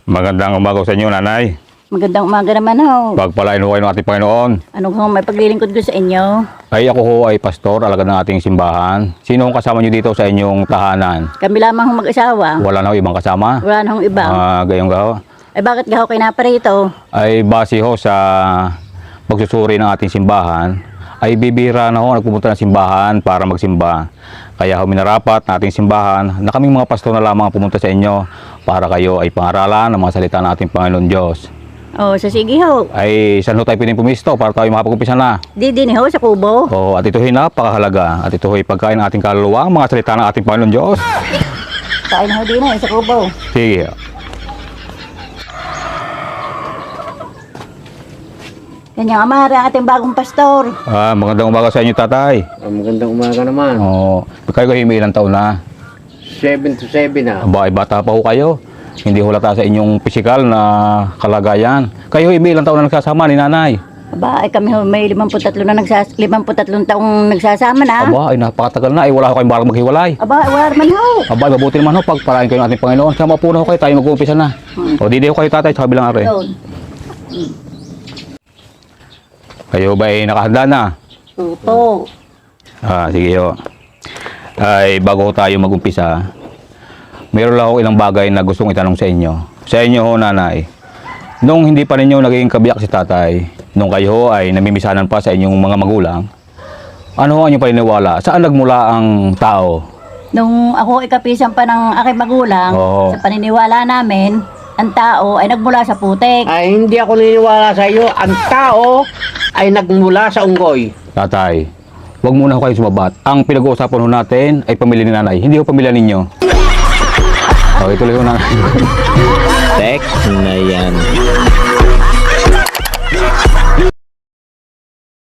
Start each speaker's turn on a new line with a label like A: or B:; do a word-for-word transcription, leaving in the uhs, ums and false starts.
A: Magandang umaga sa inyo, nanay.
B: Magandang umaga naman ho.
A: Pagpalain ho kayo ng ating Panginoon.
B: Ano ho may paglilingkod ko sa inyo?
A: Ay ako ho ay pastor, alagad ng ating simbahan. Sino ang kasama nyo dito sa inyong tahanan?
B: Kami lamang ho mag-asawa.
A: Wala na ho ibang kasama?
B: Wala na hong ibang.
A: Ah, gayong gaho.
B: Eh bakit gaho kayo naparito?
A: Ay base ho sa pagsusuri ng ating simbahan, ay bibira na ho nagpupunta ng simbahan para magsimba. Kaya ho minarapat na ating simbahan na kaming mga pastor na lamang ang pumunta sa inyo para kayo ay pangaralan ng mga salita ng ating Panginoon Diyos.
B: Oh, sa sige ho.
A: Ay saan ho tayo pwedeng pumisto para tayo makapag-umpisa na?
B: Di din ho sa kubo.
A: Oh, at ito ay napakahalaga. At ito ay pagkain ng ating kaluluwa, ang mga salita ng ating Panginoon Diyos.
B: Kain ho din eh, sa kubo.
A: Sige.
B: Yan yung amara ang ating bagong pastor.
A: Ah, magandang umaga sa inyo, tatay.
C: Ah, magandang umaga naman.
A: Oh, kayo kayo may ilang taon na?
C: seven to seven na.
A: Aba, ay bata pa ho kayo. Hindi hulata sa inyong pisikal na kalagayan. Kayo ay may ilang taon na nagsasama ni nanay.
B: Aba, ay kami ho may limamputatlo na nagsas limamputatlo taong nagsasama na.
A: Aba, ay napakatagal na. Ay wala ho kayong barang maghiwalay.
B: Aba, ay wala naman ho.
A: Aba, ay mabuti naman ho. Pagpalain kayo ng ating Panginoon. Sama po na ho kayo. Tayo mag-uumpisa na.
B: Hmm.
A: O, didi ho kayo, tatay, sa kabilang are.
B: Doon.
A: Kayo ba ay nakahanda na?
B: Opo.
A: Ah, sige ho. Ay, bago tayo mag-umpisa, meron lang ako ilang bagay na gustong itanong sa inyo. Sa inyo ho, nanay. Nung hindi pa ninyo naging kabiyak si tatay, nung kayo ho ay namimisanan pa sa inyong mga magulang, ano ho ang inyong paniniwala? Saan nagmula ang tao?
B: Nung ako ikapisan pa ng aking magulang,
A: Oo.
B: sa paniniwala namin, ang tao ay nagmula sa putik.
C: Ay, hindi ako naniniwala sa iyo. Ang tao ay nagmula sa unggoy.
A: Tatay, huwag muna ho kayo sumabat. Ang pinag-uusapan ho natin ay pamilya ni nanay, hindi ho pamilya ninyo. Okay, tuloy ho nanay.
D: Text na yan.